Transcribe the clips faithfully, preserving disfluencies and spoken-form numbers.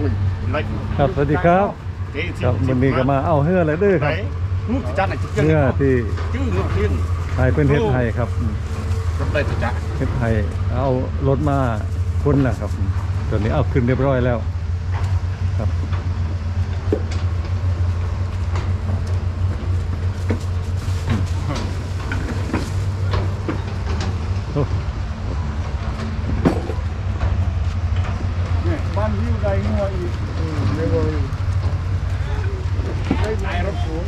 ครับสวัสดีครับครับวันนี้ก็มาเอาเฮืออะไรด้วยครับเฮือที่ไทยเป็นเฮ็ดไทยครับเฮ็ดไทยเอารถมาคนแหละครับตอนนี้เอาขึ้นเรียบร้อยแล้วครับบ้านวิวใดงัวอีกเร็วๆได้รถสูง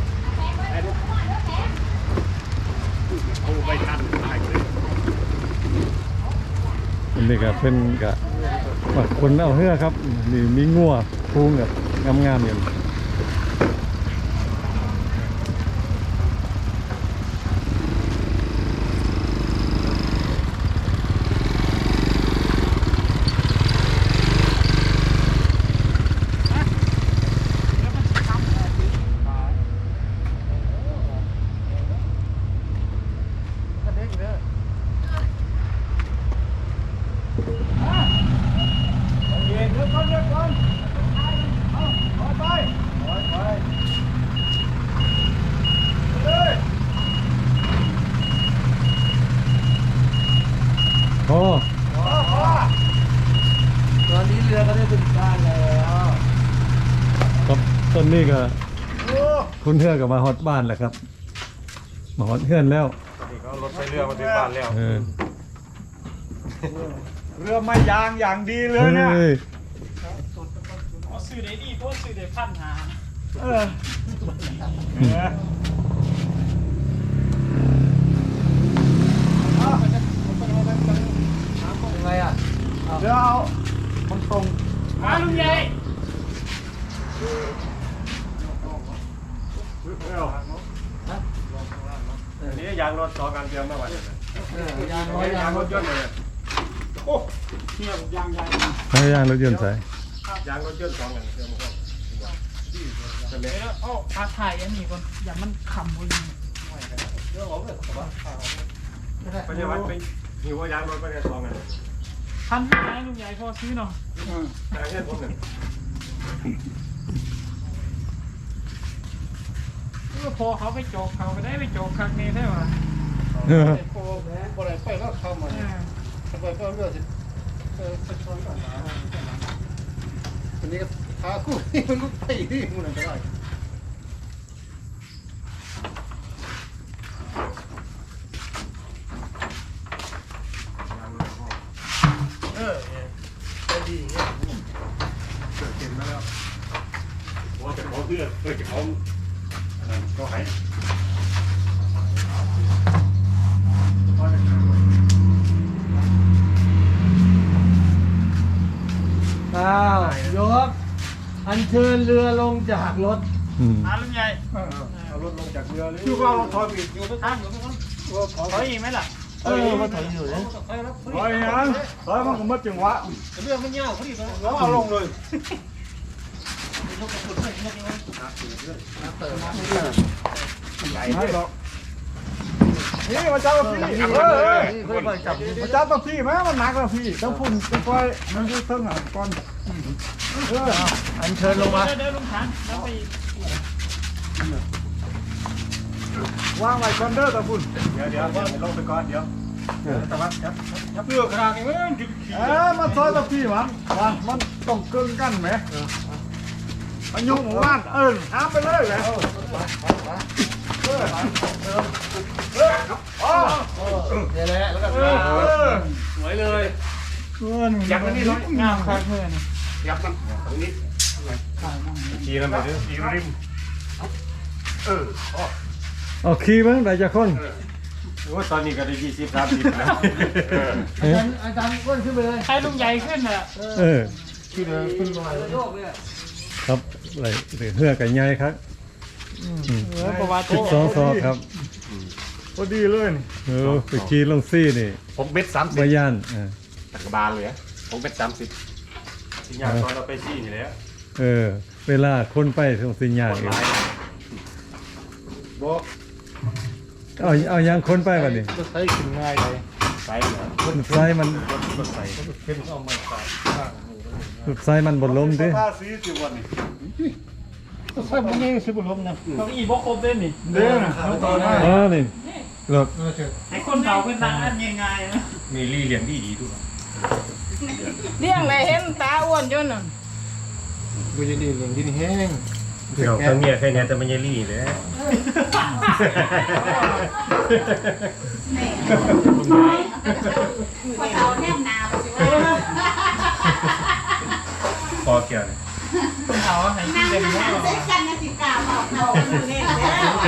เอาไปทันตายเลยอันนี้ก็เป็นกับคนเอาเฮือครับนี่มีงัวพุงแบบงามๆอย่างโอ้ตอนนี้เรือก็ได้ถึงบ้านแล้วครับต้นนี้ก็คุณเฮือกับมาฮอดบ้านแหละครับมาฮอดเฮือนแล้วนี่เขารถใช้เรือมาถึงบ้านแล้วเรือไม่ยางอย่างดีเลยเนี่ยเอาสื่อได้ดีเพราะสื่อได้พันหาเออยังไงอ่ะเดี๋ยวเอามันตรงมาลุงใหญ่นี่ยางรถต่อการเตรียมมาไว้เลยยางร้อยยางรถยนต์เลยโอ้เนี่ยยางใหญ่ให้ยางรถยนต์ใส่ยางรถยนต์สองกันเตรียมมาก่อนเดี๋ยวเอาพาถ่ายอันนี้ก่อนอย่ามันขำบนไปยังวัดไปหิวว่ายางรถไปแค่สองกันพันห้าลุงใหญ่พอซื้อเนาะแต่แค่ผมหนึ่งก็พอเขาไปโจกเขาไปได้ไปโจกครั้งนี้ได้ป่ะพอแม่พออะไรไปก็เข้ามาไปก็เลือดเออไปชนกันนะวันนี้พาคู่นี่มันลุกไปที่มันอะไรได้เออไปดีเนี่ยเกิดเห็นมาแล้วว่าจะเขาเพื่อเพื่อจะเขาก็ให้อ้าวยกอัญเชิญเรือลงจากรถมาลุงใหญ่เอารถลงจากเรือเลยอยู่ก็เอาถอยอีกอยู่ท่านอยู่ไม่ต้องถอยอีกไหมล่ะเออมาถอยอยู่เลยถอยยังถอยมันก็มัดจังหวะเรื่องมันยาวพอดีเลยแล้วเอาลงเลยใหญ่ไม่หรอกนี่มาจับพี่เฮ้ยมาจับตัวพี่ไหมมันหนักแล้วพี่ต้องพุ่งต้องคอยมันยืดเท่าหนักก่อนเอออันเชิญลงมาเดินลุงฐานแล้วไปวางไว้คอนเดอร์ตะพุ่นเดี๋ยวเดี๋ยวลงไปก่อนเดี๋ยวแต่ว่าจับจับเรือขนาดนี้เอ้ยเออมาซอยตัวพี่มันมันมันต้องเกินกันไหมอายุหมู่บ้านเออห้ามไปเลยแหละนี่แหละแล้วก็สวยเลยยับมันนี่น้อยงามคาเพื่อนยับมันตรงนี้ขี่แล้วไปด้วยขี่ริมเออเอาขี่มั้งได้จากคนว่าตอนนี้ก็ได้ยี่สิบสามสิบแล้วอาจารย์อาจารย์ก้นขึ้นไปเลยให้ลุงใหญ่ขึ้นอ่ะเออขึ้นเลยขึ้นลอยโยกเลยครับอะไรเฮือกับใหญ่ครับสิบสองซอกครับพอดีเลยเออไปขี่ลงซี่นี่ผมเบ็ดสามสิบมาย่านตักบาลเลยผมเบ็ดสามสิบสิญญาตอนเราไปซี่นี่แล้วเออเวลาคนไปตรงสิญญาเองบอกเอาเอายังคนไปวันนี้ก็ใช้ขึ้นง่ายเลยใส่เหรอใส่มันใส่เข้มเอามาใส่ข้างใส่มันบนลมดิผ้าสีสิวันนี้ใส่บ่ยังสิบ่ลมนะเขาอีบ่ครบเด้นี่เด้อนะต่อได้เออนี่รถไอ้คนเฒ่าเป็นนางอันง่ายๆนะมีลี่เลี้ยงดีดีทุกเลี้ยงเลยเห็นตาอ้วนจนน่ะบ่ยังดีเรื่องที่นี่แห้งเดี๋ยวทั้งเมียแค่นี้แต่ไม่ใช่ลี่เลยพอเฒ่าแนมหนาวสิว่าพอเกี่ยวเลยคนเฒ่าให้กินั่นงเต็มหาที่เซ็กกันนะสิกาบอกเฒ่าอยู่นี่แล้ว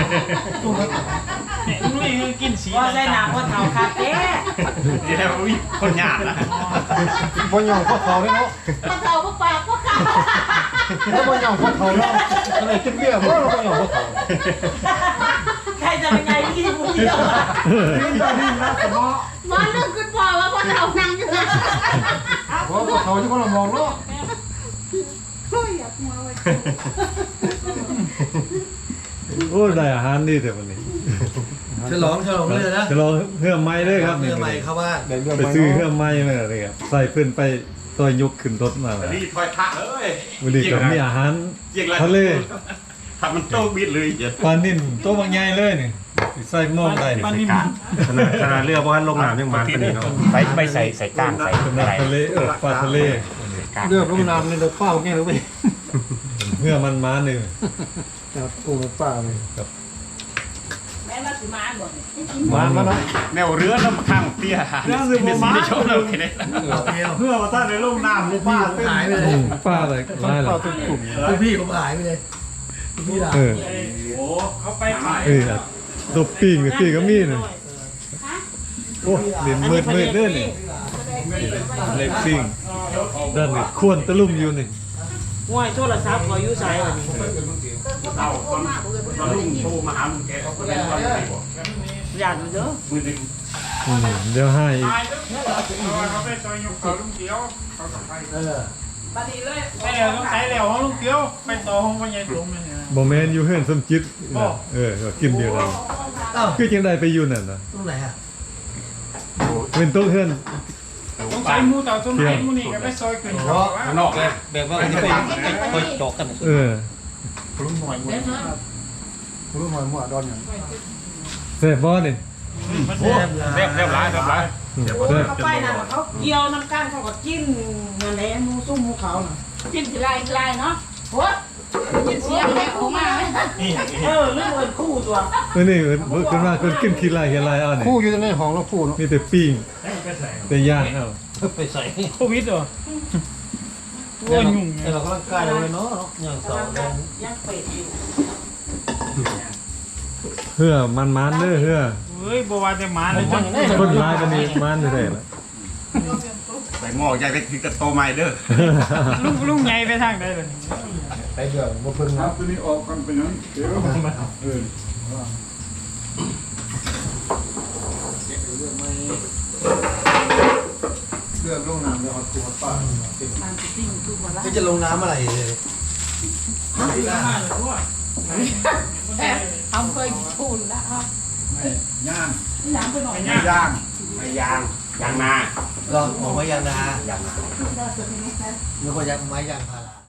เนี่ยลุงนี่กินสีว่าใส่หนาพอเฒ่าคาเฟ่นี่แหละวิคนหยาดนะบ่ยองพวกเขาเด้เนาะพอเฒ่าบ่ปากบ่กาแล้วบ่ยองพวกเขาเนาะอะไรกินเบียร์บ่เราบ่ยองพวกเขาใครจะเป็นไงที่ผู้เดียวอ่ะนี่ก็นี่นะสมอมอนนึกขึ้นพอว่าพอเฒ่านั่งอยู่นะเพราะพวกเขาที่คนละมองเนาะโอ้ยอยากมาไว้โอ้ได้อาหารดีแต่วันนี้ฉลองฉลองเลยนะจะลองเพื่อไม้ด้วยครับเมื่อใหม่เข้าบ้านได้เรื่องไปซื้อเพื่อไม้มาเลยครับใส่เพื่อนไปต่อยยกขึ้นรถมาเลยลี่ถอยทักเลยวันนี้ก็มีอาหารทะเลทำมันโตบิดเลยเดี๋ยวปลานิ่นโตบางใหญ่เลยนี่ใส่หม้อได้นี่มันนี่ขนาดเรือบ้านลงน้ำยังมันปนี่เนาะไปไปใส่ใส่ก้างใส่เป็นทะเลเออปลาทะเลเรื่องลงน้ำนี่เราเป้าแก่เลยเว้ยเพื่อมันมาหนึ่งจับปูป้าเลยแม่มาสิมาบ่มามาเนาะแนวเรือน้ำข้างเตี้ยเรือสิบมาชมเราแค่นี้เพื่อว่าท่านในลงน้ำนี่ป้าเต้นหายไปเลอืยมป้าอะไรร้ายเหรอเต้นกลุ่มคุณพี่ผมหายไปเลยคุณพี่ด่าเออโอ้เขาไปขายเออตัวปิ้งกับปิ้งก็มีนึงโอ้เด่นมืดมืดเด้อนี่เล็กปิ้งด้านนี้ควรตะลุ่มอยู่นี่ห่วยโทรศัพท์ขออยู่ไสบัดนี้เราตอนตอนลุงโทรมาหาลุงแกเขาก็เลยว่าไม่บอกญาติมันเด้อมือดึงอืมเดี๋ยวให้อีกตายแล้วเขาไปซอยยกเขาลุงเกียวเขากลับไปเออบัดนี้เลยไปแล้วต้องใช้แล้วของลุงเกียวไปต่อห้องพ่อใหญ่ลุงนี่นะบ่แม่นอยู่เฮือนสมจิตน่ะเออก็กินเดียวกันเอ้าคือจังได๋ไปอยู่นั่นน่ะตรงไหนอ่ะเป็นโต๊ะเฮือนต้องใช้มูเต่าต้นไม้มูนี่ก็ไปซอยขึ้นเขาว่าข้างนอกเลยแบบว่าจะไปคอยจอกกันเออรุ่นหน่อยหมดรุ่นหน่อยหมดดอนอย่างแซ่บบ่นี่มันโอ้เรียบเรียบร้อยเรียบร้อยอืมแซ่บเขาไปนั่นเขาเกี่ยวน้ำก้านเขาก็จิ้นนั่นแหละหมูซุ่มหมูเขาน่ะจิ้นทีไรทีไรเนาะโหจิ้นเสียงแม่ออกมาเออเรื่องเอิ้นคู่ตัวเออนี่เพิ่นขึ้นมาเพิ่นกินขี้ลายเฮียลายเอานี่คู่อยู่ในห้องแล้วคู่เนาะมีแต่ปิ้งแต่ย่างเอาไปใส่โควิดเหรอโอ้ยยุ่งแต่เรากำลังกายเลยเนาะอย่างสองแดงยังเป็ดอยู่เฮือมันๆเด้อเฮือเฮ้ยบัวแต่หมาเลยจังคนร้ายปานนี้มันแท้ๆล่ะใส่หม้อใหญ่ไปถือกระโตไม้เด้อลุงลุงใหญ่ไปทางใดเลยไปเดี๋ยวมาเพิ่งครันะบตัวนี้ออกกันไปนั้นเดี๋ยวเออเรื่องลงน้ำเดี๋ยวเอาตัวป้ามันสิติ้งคือบ่ละก็จะลงน้ำอะไรเลยเอาเคยพูดแล้วครับย่างย่างไปหน่อยย่างไม่ยางยางนาลองออกไม้ยางนายางนาเมื่อก่อนยางไม้ยางพารา